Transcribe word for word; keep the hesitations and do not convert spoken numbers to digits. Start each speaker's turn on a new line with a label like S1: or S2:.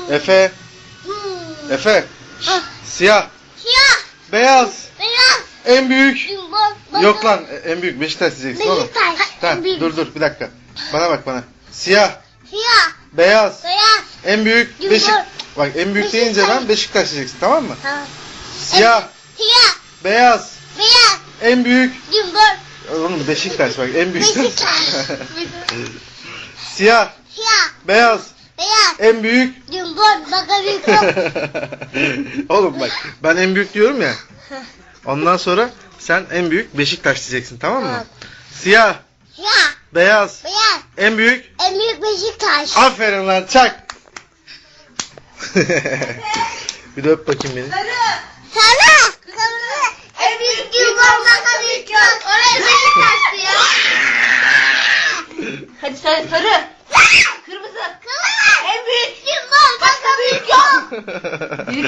S1: Efe. Efe.
S2: Ah.
S1: Siyah.
S2: Siyah.
S1: Beyaz.
S2: Beyaz.
S1: En büyük.
S2: Cumhur.
S1: Yok lan en büyük Beşiktaş diyeceksin oğlum.
S2: Beşiktaş.
S1: Tamam
S2: En büyük.
S1: dur dur bir dakika. Bana bak bana. Siyah.
S2: Siyah.
S1: Beyaz.
S2: Beyaz.
S1: En büyük
S2: Cumhur.
S1: Beşik. Bak en büyük deyince
S2: Beşiktaş.
S1: ben Beşiktaş diyeceksin tamam mı?
S2: Tamam.
S1: Siyah.
S2: Siyah.
S1: Beyaz.
S2: Beyaz.
S1: En büyük.
S2: Cumhur.
S1: Oğlum Beşiktaş bak en büyük.
S2: Beşiktaş.
S1: Siyah.
S2: Siyah.
S1: Beyaz.
S2: Beyaz.
S1: En büyük.
S2: Cumhur. Baka büyük.
S1: Oğlum bak ben en büyük diyorum ya. Ondan sonra sen en büyük Beşiktaş diyeceksin tamam mı?
S2: Tamam.
S1: Siyah.
S2: Siyah.
S1: Beyaz.
S2: Beyaz.
S1: En büyük.
S2: En büyük Beşiktaş.
S1: Aferin lan çak. Bir de öp bakayım beni.
S2: Sarı. Kırmızı. En büyük Cumhur. Baka büyük. Oraya Beşiktaş'tı ya.
S3: Hadi sarı sarı. Kırmızı.
S2: Kırmızı.
S3: En büyük.
S2: Cumhur. Baka büyük.
S3: Biri